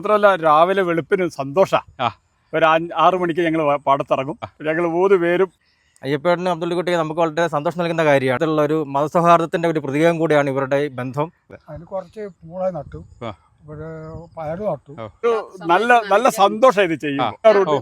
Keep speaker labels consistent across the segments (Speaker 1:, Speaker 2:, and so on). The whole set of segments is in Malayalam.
Speaker 1: മാത്രമല്ല രാവിലെ വെളുപ്പിന് സന്തോഷമാണ്. ഒരു 6 മണിക്ക് ഞങ്ങൾ പാടത്തിറങ്ങും. ഞങ്ങൾ 3 പേരും
Speaker 2: അയ്യപ്പേട്ടനും അബ്ദുള്ളിക്കുട്ടിയെ നമുക്ക് വളരെ സന്തോഷം നൽകുന്ന കാര്യമാണ്. അതുള്ള ഒരു മതസൗഹാർദ്ദത്തിന്റെ ഒരു പ്രതീകം കൂടിയാണ് ഇവരുടെ ബന്ധം.
Speaker 3: അതിന് കുറച്ച് പൂള നട്ടു, പയറ് നട്ടു.
Speaker 1: നല്ല സന്തോഷം ഇത് ചെയ്യും.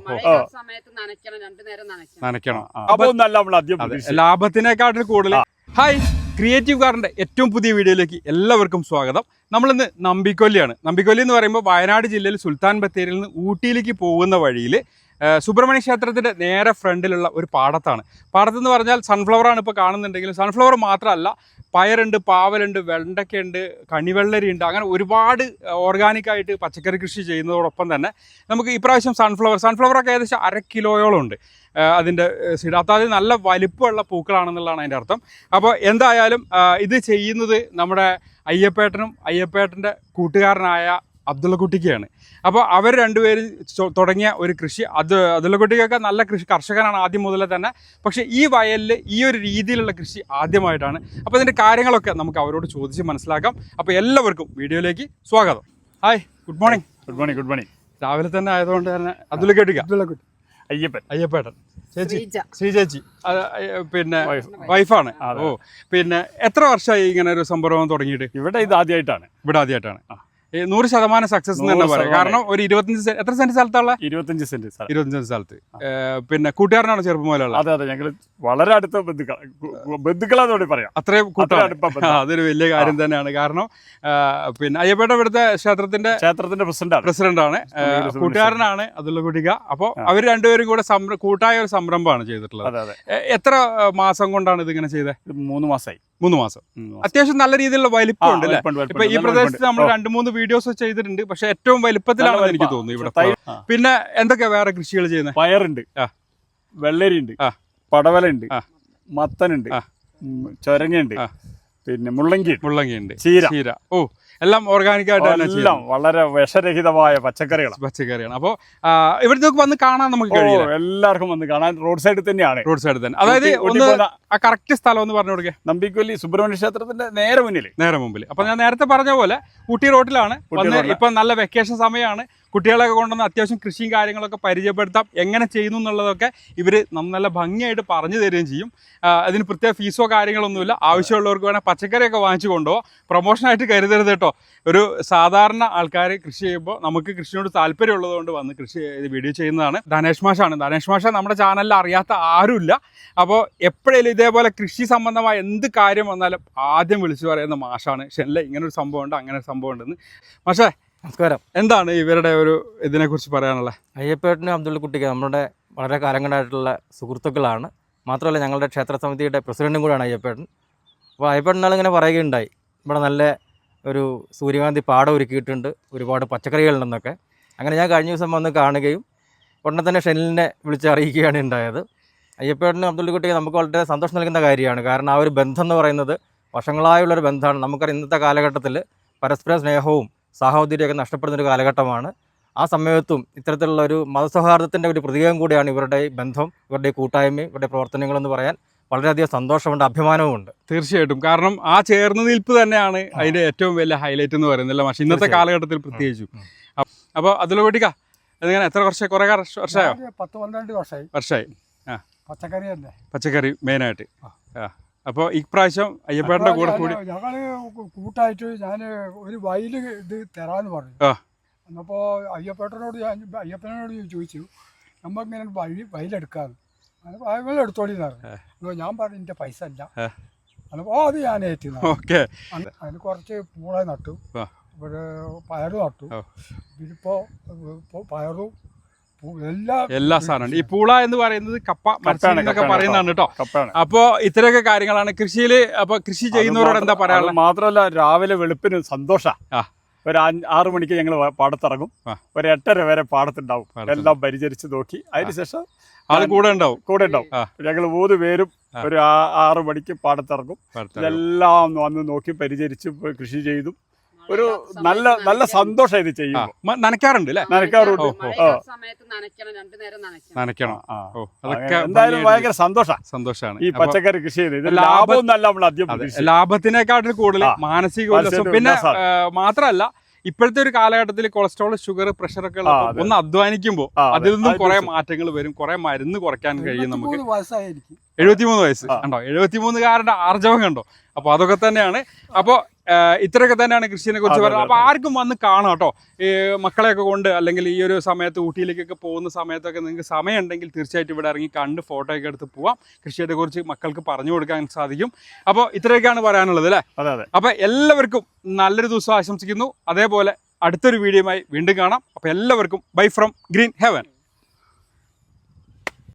Speaker 4: ലാഭത്തിനേക്കാട്ടിൽ കൂടുതൽ. ഹായ്, ക്രിയേറ്റീവ് കാറിന്റെ ഏറ്റവും പുതിയ വീഡിയോയിലേക്ക് എല്ലാവർക്കും സ്വാഗതം. നമ്മളിന്ന് നമ്പിക്കൊല്ലിയാണ്. നമ്പിക്കൊല്ലി എന്ന് പറയുമ്പോൾ വയനാട് ജില്ലയിൽ സുൽത്താൻ ബത്തേരിയിൽ നിന്ന് ഊട്ടിയിലേക്ക് പോകുന്ന വഴിയിൽ സുബ്രഹ്മണ്യ ക്ഷേത്രത്തിൻ്റെ നേരെ ഫ്രണ്ടിലുള്ള ഒരു പാടത്താണ്. പാടത്തെന്ന് പറഞ്ഞാൽ സൺഫ്ലവറാണ് ഇപ്പോൾ കാണുന്നുണ്ടെങ്കിലും സൺഫ്ലവർ മാത്രമല്ല, പയറുണ്ട്, പാവലുണ്ട്, വെണ്ടയ്ക്കുണ്ട്, കണിവെള്ളരിയുണ്ട്. അങ്ങനെ ഒരുപാട് ഓർഗാനിക്കായിട്ട് പച്ചക്കറി കൃഷി ചെയ്യുന്നതോടൊപ്പം തന്നെ നമുക്ക് ഇപ്രാവശ്യം സൺഫ്ലവറൊക്കെ ഏകദേശം 1/2 കിലോയോളം ഉണ്ട് അതിൻ്റെ സീഡ്. അതായത് നല്ല വലിപ്പമുള്ള പൂക്കളാണെന്നുള്ളതാണ് അതിൻ്റെ അർത്ഥം. അപ്പോൾ എന്തായാലും ഇത് ചെയ്യുന്നത് നമ്മുടെ അയ്യപ്പേട്ടൻ്റെ കൂട്ടുകാരനായ അബ്ദുള്ളക്കുട്ടിക്കാണ്. അപ്പോൾ അവർ രണ്ടുപേരും തുടങ്ങിയ ഒരു കൃഷി. അബ്ദുള്ളക്കുട്ടിക്കൊക്കെ നല്ല കർഷകനാണ് ആദ്യം മുതലേ തന്നെ. പക്ഷേ ഈ വയലിൽ ഈ ഒരു രീതിയിലുള്ള കൃഷി ആദ്യമായിട്ടാണ്. അപ്പോൾ ഇതിൻ്റെ കാര്യങ്ങളൊക്കെ നമുക്ക് അവരോട് ചോദിച്ച് മനസ്സിലാക്കാം. അപ്പോൾ എല്ലാവർക്കും വീഡിയോയിലേക്ക് സ്വാഗതം. Hi, good morning.
Speaker 1: Good morning.
Speaker 4: രാവിലെ തന്നെ ആയതുകൊണ്ട് തന്നെ അബ്ദുള്ളക്കുട്ടിക്ക, അയ്യപ്പേട്ടൻ, ശ്രീ ചേച്ചി പിന്നെ വൈഫാണ്. ഓ, പിന്നെ എത്ര വർഷമായി ഇങ്ങനെ ഒരു സംരംഭം തുടങ്ങിയിട്ട്?
Speaker 1: ഇവിടെ ആദ്യമായിട്ടാണ്.
Speaker 4: 100% സക്സസ് എന്ന് തന്നെ പറയാം. കാരണം ഒരു 25 എത്ര സെന്റ് സ്ഥലത്തുള്ള
Speaker 1: 25 സെന്റ്
Speaker 4: സ്ഥലത്ത് പിന്നെ കൂട്ടുകാരനാണ് ചെറുപ്പം മുതലുള്ള.
Speaker 1: അതെ, ഞങ്ങൾ വളരെ അടുത്ത ബന്ധുക്കളാന്നോട് പറയാം.
Speaker 4: അത്രയും കൂട്ടാണ്. അതൊരു വലിയ കാര്യം തന്നെയാണ്. കാരണം പിന്നെ അയ്യപ്പേട്ട ഇവിടുത്തെ ക്ഷേത്രത്തിന്റെ പ്രസിഡന്റാണ്, കൂട്ടുകാരനാണ് അബ്ദുള്ളക്കുട്ടിക്ക. അപ്പോൾ അവർ രണ്ടുപേരും കൂടെ കൂട്ടായ ഒരു സംരംഭമാണ് ചെയ്തിട്ടുള്ളത്. എത്ര മാസം കൊണ്ടാണ് ഇതിങ്ങനെ ചെയ്തത്?
Speaker 1: 3 മാസമായി.
Speaker 4: 3 മാസം. അത്യാവശ്യം നല്ല രീതിയിലുള്ള വലിപ്പമുണ്ട് അല്ലേ? ഇപ്പൊ ഈ പ്രദേശത്ത് നമ്മൾ 2-3 വീഡിയോസ് ചെയ്തിട്ടുണ്ട്. പക്ഷെ ഏറ്റവും വലിപ്പത്തിലാണ് എനിക്ക് തോന്നുന്നു ഇവിടെ. പിന്നെ എന്തൊക്കെയാ വേറെ കൃഷികൾ ചെയ്യുന്നത്?
Speaker 1: പയറുണ്ട്, വെള്ളരിയുണ്ട്, പടവലുണ്ട്, മത്തനുണ്ട്, ചൊരങ്ങയുണ്ട്, പിന്നെ മുള്ളങ്കിയുണ്ട്, ചീര. ഓ, എല്ലാം ഓർഗാനിക് ആയിട്ട്, എല്ലാം വളരെ വിഷരഹിതമായ പച്ചക്കറിയാണ്. അപ്പോൾ ഇവിടുത്തെ വന്ന് കാണാൻ നമുക്ക് കഴിയും. എല്ലാവർക്കും വന്ന് കാണാൻ റോഡ് സൈഡിൽ തന്നെയാണ്. അതായത് ആ കറക്റ്റ് സ്ഥലം ഒന്ന് പറഞ്ഞു കൊടുക്കുക. നമ്പിക്കൊല്ലി സുബ്രഹ്മണ്യ ക്ഷേത്രത്തിന്റെ നേരെ മുമ്പിൽ. അപ്പൊ ഞാൻ നേരത്തെ പറഞ്ഞ പോലെ ഊട്ടി റോഡിലാണ്. ഇപ്പൊ നല്ല വെക്കേഷൻ സമയമാണ്. കുട്ടികളൊക്കെ കൊണ്ടുവന്ന് അത്യാവശ്യം കൃഷിയും കാര്യങ്ങളൊക്കെ പരിചയപ്പെടുത്താം. എങ്ങനെ ചെയ്യുന്നു എന്നുള്ളതൊക്കെ ഇവർ നല്ല ഭംഗിയായിട്ട് പറഞ്ഞു തരികയും ചെയ്യും. അതിന് പ്രത്യേക ഫീസോ കാര്യങ്ങളൊന്നുമില്ല. ആവശ്യമുള്ളവർക്ക് വേണേൽ പച്ചക്കറിയൊക്കെ വാങ്ങിച്ചു കൊണ്ടുപോകാം. പ്രൊമോഷനായിട്ട് കരുതരുത് കേട്ടോ. ഒരു സാധാരണ ആൾക്കാർ കൃഷി ചെയ്യുമ്പോൾ നമുക്ക് കൃഷിയോട് താല്പര്യമുള്ളതുകൊണ്ട് വന്ന് വീഡിയോ ചെയ്യുന്നതാണ്. ധനേഷ് മാഷ നമ്മുടെ ചാനലിൽ അറിയാത്ത ആരുമില്ല. അപ്പോൾ എപ്പോഴേലും ഇതേപോലെ കൃഷി സംബന്ധമായ എന്ത് കാര്യം വന്നാലും ആദ്യം വിളിച്ചു പറയുന്ന മാഷാണ്. ഷെല്ല ഇങ്ങനൊരു സംഭവം ഉണ്ട്, അങ്ങനെ ഒരു സംഭവം ഉണ്ടെന്ന്. മാഷേ,
Speaker 2: നമസ്കാരം.
Speaker 4: എന്താണ് ഇവരുടെ ഒരു ഇതിനെക്കുറിച്ച് പറയാനുള്ളത്?
Speaker 2: അയ്യപ്പേട്ടനും അബ്ദുള്ളിക്കുട്ടിക്ക് നമ്മുടെ വളരെ കാലങ്ങളായിട്ടുള്ള സുഹൃത്തുക്കളാണ്. മാത്രമല്ല ഞങ്ങളുടെ ക്ഷേത്ര സമിതിയുടെ പ്രസിഡന്റും കൂടെയാണ് അയ്യപ്പേട്ടൻ. അപ്പോൾ അയ്യപ്പേട്ടൻ നാളിങ്ങനെ പറയുകയുണ്ടായി, ഇവിടെ നല്ല ഒരു സൂര്യകാന്തി പാടം ഒരുക്കിയിട്ടുണ്ട്, ഒരുപാട് പച്ചക്കറികളുണ്ടെന്നൊക്കെ. അങ്ങനെ ഞാൻ കഴിഞ്ഞ ദിവസം വന്ന് കാണുകയും ഉടനെ തന്നെ ഷെനിലിനെ വിളിച്ച് അറിയിക്കുകയാണ് ഉണ്ടായത്. അയ്യപ്പേട്ടനും അബ്ദുള്ളിക്കുട്ടിക്ക് നമുക്ക് വളരെ സന്തോഷം നൽകുന്ന കാര്യമാണ്. കാരണം ആ ഒരു ബന്ധം എന്ന് പറയുന്നത് വർഷങ്ങളായുള്ളൊരു ബന്ധമാണ്. നമുക്കറിയാം ഇന്നത്തെ കാലഘട്ടത്തിൽ പരസ്പര സ്നേഹവും സാഹോദര്യമൊക്കെ നഷ്ടപ്പെടുന്നൊരു കാലഘട്ടമാണ്. ആ സമയത്തും ഇത്തരത്തിലുള്ള ഒരു മതസൗഹാർദ്ദത്തിൻ്റെ ഒരു പ്രതീകം കൂടിയാണ് ഇവരുടെ ബന്ധം, ഇവരുടെ കൂട്ടായ്മയും ഇവരുടെ പ്രവർത്തനങ്ങളെന്ന് പറയാൻ വളരെയധികം സന്തോഷമുണ്ട്, അഭിമാനവുമുണ്ട്.
Speaker 4: തീർച്ചയായിട്ടും. കാരണം ആ ചേർന്ന് നിൽപ്പ് തന്നെയാണ് അതിൻ്റെ ഏറ്റവും വലിയ ഹൈലൈറ്റ് എന്ന് പറയുന്നില്ല പക്ഷേ ഇന്നത്തെ കാലഘട്ടത്തിൽ പ്രത്യേകിച്ചും. അപ്പോൾ അതിലൂട്ടിക്ക എങ്ങനെ എത്ര കുറേ വർഷമായോ?
Speaker 3: 10-12
Speaker 4: വർഷമായി. പച്ചക്കറി മെയിനായിട്ട്. അപ്പോൾ ഇപ്രാവശ്യം അയ്യപ്പേട്ടൻ്റെ കൂടെ കൂടി
Speaker 3: ഞങ്ങള് കൂട്ടായിട്ട് ഞാൻ ഒരു വയൽ ഇത് തരാന്ന് പറഞ്ഞു. അപ്പോൾ അയ്യപ്പേട്ടനോട് ചോദിച്ചു, നമ്മളിങ്ങനെ വയലെടുക്കാന്ന്. വയൽ എടുത്തോളിന്ന് പറഞ്ഞു. ഞാൻ പറഞ്ഞു എൻ്റെ പൈസ ഇല്ല. അപ്പോൾ അത് ഞാൻ ഏറ്റുന്നു. അതിന് കുറച്ച് പൂള നട്ടു, പയറ് നട്ടു. ഇതിപ്പോൾ പയറും
Speaker 4: എല്ലാ സാധനവും. ഈ പൂള എന്ന് പറയുന്നത് കപ്പ എന്നൊക്കെ പറയുന്നതാണ് കേട്ടോ. അപ്പോ ഇത്രയൊക്കെ കാര്യങ്ങളാണ് കൃഷിയിൽ. അപ്പൊ കൃഷി ചെയ്യുന്നവരോട് എന്താ പറയാനുള്ളത്?
Speaker 1: മാത്രമല്ല രാവിലെ വെളുപ്പിന് സന്തോഷമാണ്. ഒരു 6 മണിക്ക് ഞങ്ങൾ പാടത്തിറങ്ങും. ഒരു 8:30 വരെ പാടത്തുണ്ടാവും. എല്ലാം പരിചരിച്ച് നോക്കി അതിനുശേഷം
Speaker 4: ആൾ കൂടെ ഉണ്ടാവും.
Speaker 1: ഞങ്ങൾ 3 പേരും ഒരു 6 മണിക്ക് പാടത്തിറങ്ങും. എല്ലാം വന്ന് നോക്കി പരിചരിച്ച് കൃഷി ചെയ്തു. ഒരു നല്ല സന്തോഷം ഇത് ചെയ്യുമ്പോൾ.
Speaker 4: നനയ്ക്കാറുണ്ട് അല്ലേ?
Speaker 1: നനയ്ക്കാറുണ്ട്. എന്തായാലും ഭയങ്കര സന്തോഷമാണ് ഈ പച്ചക്കറി കൃഷി ചെയ്ത്. ലാഭമൊന്നല്ല നമ്മൾ ആദ്യം.
Speaker 4: ലാഭത്തിനേക്കാട്ടിൽ കൂടുതൽ മാനസിക ഉല്ലാസം. പിന്നെ മാത്രമല്ല ഇപ്പോഴത്തെ ഒരു കാലഘട്ടത്തിൽ കൊളസ്ട്രോൾ, ഷുഗർ, പ്രഷർ ഒക്കെ
Speaker 1: അതെ.
Speaker 4: ഒന്ന് അധ്വാനിക്കുമ്പോൾ
Speaker 1: ആ, അതെ.
Speaker 4: അതിൽ നിന്നും
Speaker 1: അത്
Speaker 4: കുറെ
Speaker 1: തീർച്ചയായും.
Speaker 4: മാറ്റങ്ങൾ വരും, കുറെ മരുന്ന് കുറയ്ക്കാൻ കഴിയും നമുക്ക്.
Speaker 3: 73 വയസ്സായിരിക്കും.
Speaker 4: 73 വയസ്സ് കണ്ടോ, 73-കാരന്റെ ആർജവം കണ്ടോ. അപ്പൊ അതൊക്കെ തന്നെയാണ്. അപ്പോൾ ഇത്രയൊക്കെ തന്നെയാണ് കൃഷിനെ കുറിച്ച്
Speaker 1: അതെ,
Speaker 4: പറയുന്നത്.
Speaker 1: അതെ,
Speaker 4: അപ്പൊ ആർക്കും വന്ന് കാണാം കേട്ടോ. ഈ മക്കളെയൊക്കെ കൊണ്ട് അല്ലെങ്കിൽ ഈ ഒരു സമയത്ത് ഊട്ടിയിലേക്കൊക്കെ പോകുന്ന സമയത്തൊക്കെ നിങ്ങൾക്ക് സമയം ഉണ്ടെങ്കിൽ തീർച്ചയായിട്ടും ഇവിടെ ഇറങ്ങി കണ്ട് ഫോട്ടോ ഒക്കെ എടുത്ത് പോവാം. കൃഷിയെ കുറിച്ച് മക്കൾക്ക് പറഞ്ഞു കൊടുക്കാൻ സാധിക്കും. അപ്പോൾ ഇത്രയൊക്കെയാണ് പറയാനുള്ളത് അല്ലേ.
Speaker 1: അതെ അതെ.
Speaker 4: അപ്പോൾ എല്ലാവർക്കും നല്ലൊരു ദിവസം ആശംസിക്കുന്നു. അതേപോലെ അടുത്തൊരു വീഡിയോയുമായി വീണ്ടും കാണാം. അപ്പോൾ എല്ലാവർക്കും ബൈ ഫ്രം ഗ്രീൻ ഹെവൻ.